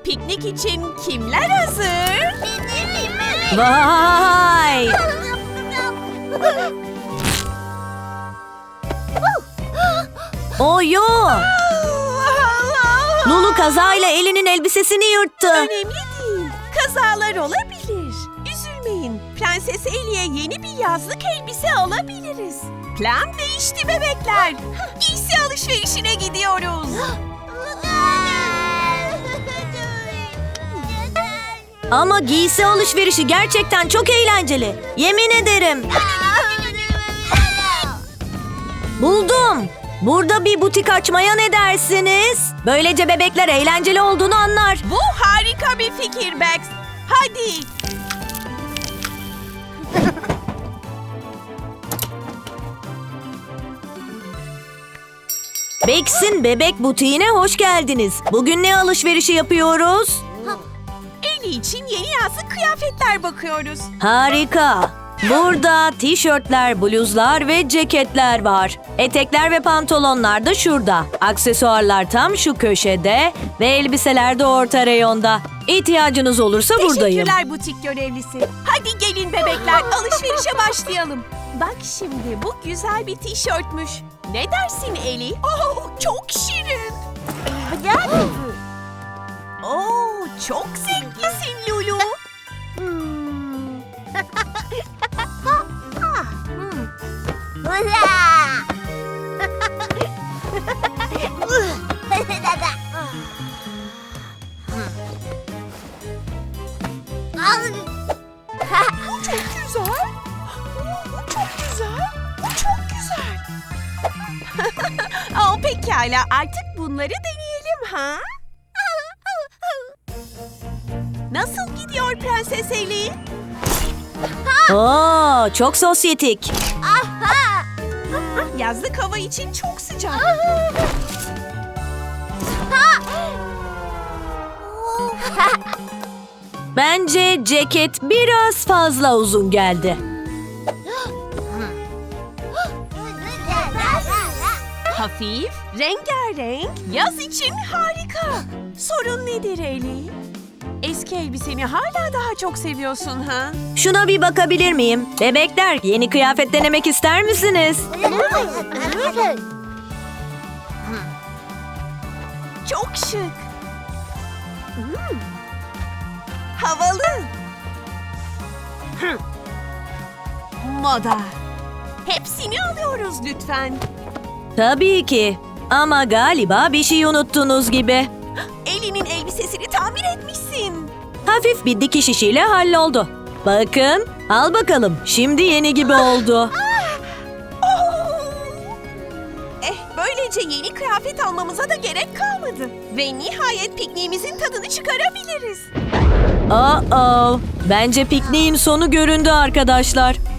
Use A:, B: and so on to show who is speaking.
A: Piknik için kimler hazır?
B: Vay! Oyo! Lulu kazayla Ellie'nin elbisesini yırttı.
A: Önemli değil. Kazalar olabilir. Üzülmeyin. Prenses Ellie'ye yeni bir yazlık elbise alabiliriz. Plan değişti bebekler. Giysi alışverişine gidiyoruz.
B: Ama giysi alışverişi gerçekten çok eğlenceli. Yemin ederim. Buldum. Burada bir butik açmaya ne dersiniz? Böylece bebekler eğlenceli olduğunu anlar.
A: Bu harika bir fikir Bex. Hadi.
B: Bex'in bebek butiğine hoş geldiniz. Bugün ne alışverişi yapıyoruz?
A: Ellie için yeni yazlık kıyafetler bakıyoruz.
B: Harika. Burada tişörtler, bluzlar ve ceketler var. Etekler ve pantolonlar da şurada. Aksesuarlar tam şu köşede ve elbiseler de orta reyonda. İhtiyacınız olursa buradayım.
A: Teşekkürler butik görevlisi. Hadi gelin bebekler, alışverişe başlayalım. Bak şimdi bu güzel bir tişörtmüş. Ne dersin Ellie? Oh, çok şirin. Oh, çok zenginsin Lulu. Bu çok güzel. Bu çok güzel. Bu çok güzel. Oh, pekala, artık bunları deneyelim ha? Nasıl gidiyor Prenses Ellie?
B: Oo, çok sosyetik.
A: Yazlık hava için çok sıcak.
B: Bence ceket biraz fazla uzun geldi.
A: Hafif, rengarenk, yaz için harika. Sorun nedir Ellie? Eski elbiseni hala daha çok seviyorsun ha?
B: Şuna bir bakabilir miyim? Bebekler, yeni kıyafet denemek ister misiniz?
A: Çok şık. Havalı. Moda. Hepsini alıyoruz lütfen.
B: Tabii ki. Ama galiba bir şey unuttunuz gibi.
A: Ellie'nin elbisesini tamir etmişsin.
B: Hafif bir dikiş işiyle halloldu. Bakın, al bakalım. Şimdi yeni gibi oldu.
A: Böylece yeni kıyafet almamıza da gerek kalmadı. Ve nihayet pikniğimizin tadını çıkarabiliriz.
B: Bence pikniğin sonu göründü arkadaşlar.